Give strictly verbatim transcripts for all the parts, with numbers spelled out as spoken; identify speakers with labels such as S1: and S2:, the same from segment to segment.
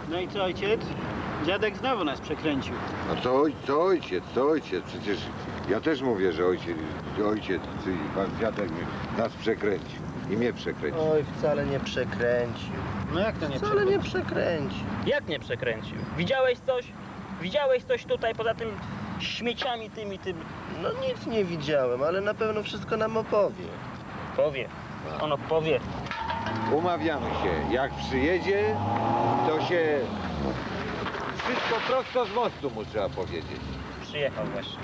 S1: No i co, ojciec? Dziadek znowu nas przekręcił.
S2: No co, oj, co ojciec, co ojciec? Przecież ja też mówię, że ojciec, ojciec, czyli pan dziadek mnie- nas przekręcił i mnie przekręcił.
S3: Oj, wcale nie przekręcił.
S1: No jak to nie
S3: Wcale nie
S1: przekręcił?
S3: przekręcił.
S4: Jak nie przekręcił? Widziałeś coś? Widziałeś coś tutaj poza tym śmieciami tymi, tym?
S3: No nic nie widziałem, ale na pewno wszystko nam opowie.
S4: Powie. Ono powie.
S2: Umawiamy się, jak przyjedzie, to się wszystko prosto z mostu mu trzeba powiedzieć.
S4: Przyjechał właśnie.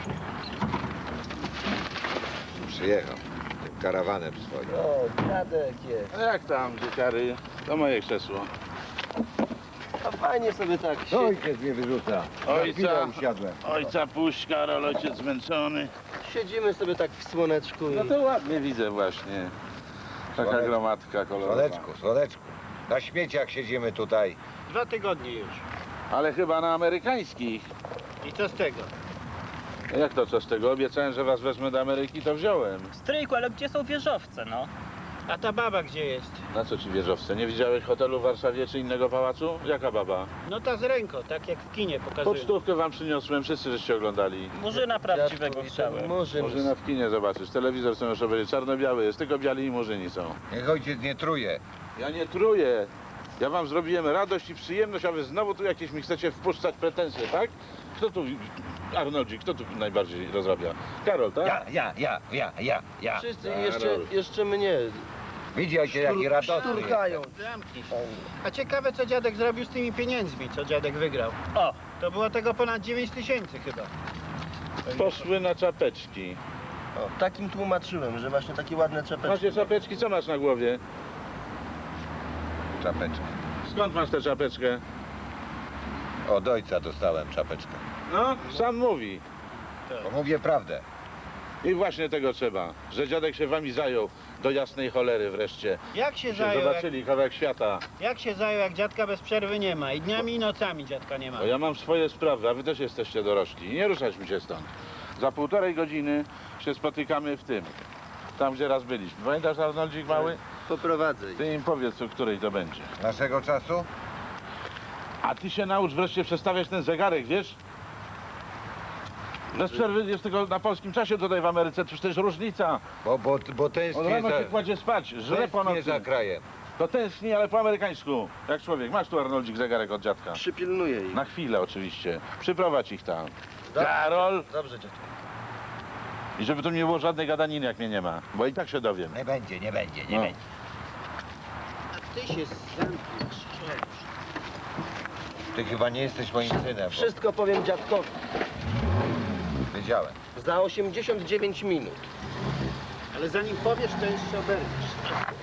S2: Przyjechał tym karawanem swoim.
S3: O, dziadek jest.
S5: A jak tam, dzieciary? To moje krzesło.
S3: A fajnie sobie tak
S2: No,
S3: się...
S2: ojciec mnie wyrzuca. Na
S5: Ojca.
S2: chwilę usiadłem.
S5: Ojca puść, Karol, ojciec zmęczony.
S3: siedzimy sobie tak w słoneczku i...
S5: No to ładnie widzę właśnie. Taka
S2: Słoneczko.
S5: gromadka kolorowa.
S2: Słoneczku, słoneczku. Na śmieciach siedzimy tutaj.
S1: Dwa tygodnie już.
S5: Ale chyba na amerykańskich.
S1: I co z tego?
S5: Jak to co z tego? Obiecałem, że was wezmę do Ameryki, to wziąłem.
S4: Stryjku, ale gdzie są wieżowce, no?
S1: A ta baba gdzie jest?
S5: Na co ci wieżowce? Nie widziałeś hotelu w Warszawie czy innego pałacu? Jaka baba?
S1: No ta z ręką, tak jak w kinie pokazują.
S5: Pocztówkę wam przyniosłem, wszyscy żeście oglądali.
S4: Murzyna prawdziwego
S3: Dziadku,
S4: chciałem.
S3: Murzyn.
S5: Murzyna w kinie zobaczysz. Telewizor są już obejrzeć. Czarno-biały jest, tylko biali i murzyni są.
S2: Niech ojciec nie truje.
S5: Ja nie truję. Ja wam zrobiłem radość i przyjemność, a wy znowu tu jakieś mi chcecie wpuszczać pretensje, tak? Kto tu, Arnoldzik, kto tu najbardziej rozrabia? Karol, tak?
S2: Ja, ja, ja, ja, ja, ja.
S3: Wszyscy
S5: Karol.
S3: jeszcze, jeszcze mnie
S2: Widzicie, jaki radosny
S3: szturchają.
S1: Zamknij się. A ciekawe co dziadek zrobił z tymi pieniędzmi, co dziadek wygrał.
S4: O,
S1: To było tego ponad dziewięć tysięcy chyba.
S5: Poszły na czapeczki.
S3: O, takim tłumaczyłem, że właśnie takie ładne czepeczki.
S5: Macie czapeczki, co masz na głowie?
S2: Czapeczkę.
S5: Skąd masz tę czapeczkę?
S2: Od ojca dostałem czapeczkę.
S5: No, sam mówi.
S2: Bo mówię prawdę.
S5: I właśnie tego trzeba, że dziadek się wami zajął do jasnej cholery wreszcie.
S1: Jak się
S5: Się
S1: zajął, jak,
S5: zobaczyli kawałek świata.
S1: jak się zajął, jak dziadka bez przerwy nie ma. I dniami i nocami dziadka nie ma.
S5: Bo ja mam swoje sprawy, a wy też jesteście dorośli. Nie ruszać mi się stąd. Za półtorej godziny się spotykamy w tym. Tam, gdzie raz byliśmy. Pamiętasz, Arnoldzik mały?
S3: Poprowadzę ich.
S5: Ty im powiedz, o której to będzie.
S2: Naszego czasu?
S5: A ty się naucz wreszcie przestawiać ten zegarek, wiesz? Bez przerwy jest tylko na polskim czasie tutaj w Ameryce, to też różnica.
S2: Bo, bo, bo
S5: Od
S2: tęsknię
S5: rano
S2: za,
S5: się kładzie spać, żre po
S2: tęsknię
S5: nocy.
S2: za krajem.
S5: To tęskni, ale po amerykańsku. Jak człowiek. Masz tu, Arnoldzik, zegarek od dziadka.
S3: Przypilnuję ich.
S5: Na chwilę oczywiście. Przyprowadź ich tam.
S3: Dobrze.
S5: Karol!
S3: Dobrze, dziadku.
S5: I żeby tu nie było żadnej gadaniny, jak mnie nie ma. Bo i tak się dowiem.
S2: Nie będzie, nie będzie, nie
S5: No.
S2: będzie.
S1: A ty się zamkniesz.
S2: Ty chyba nie jesteś moim synem.
S3: Wszystko powiem dziadkowi.
S2: Bo wiedziałem.
S3: Za osiemdziesiąt dziewięć minut.
S1: Ale zanim powiesz, to jeszcze oberwiesz.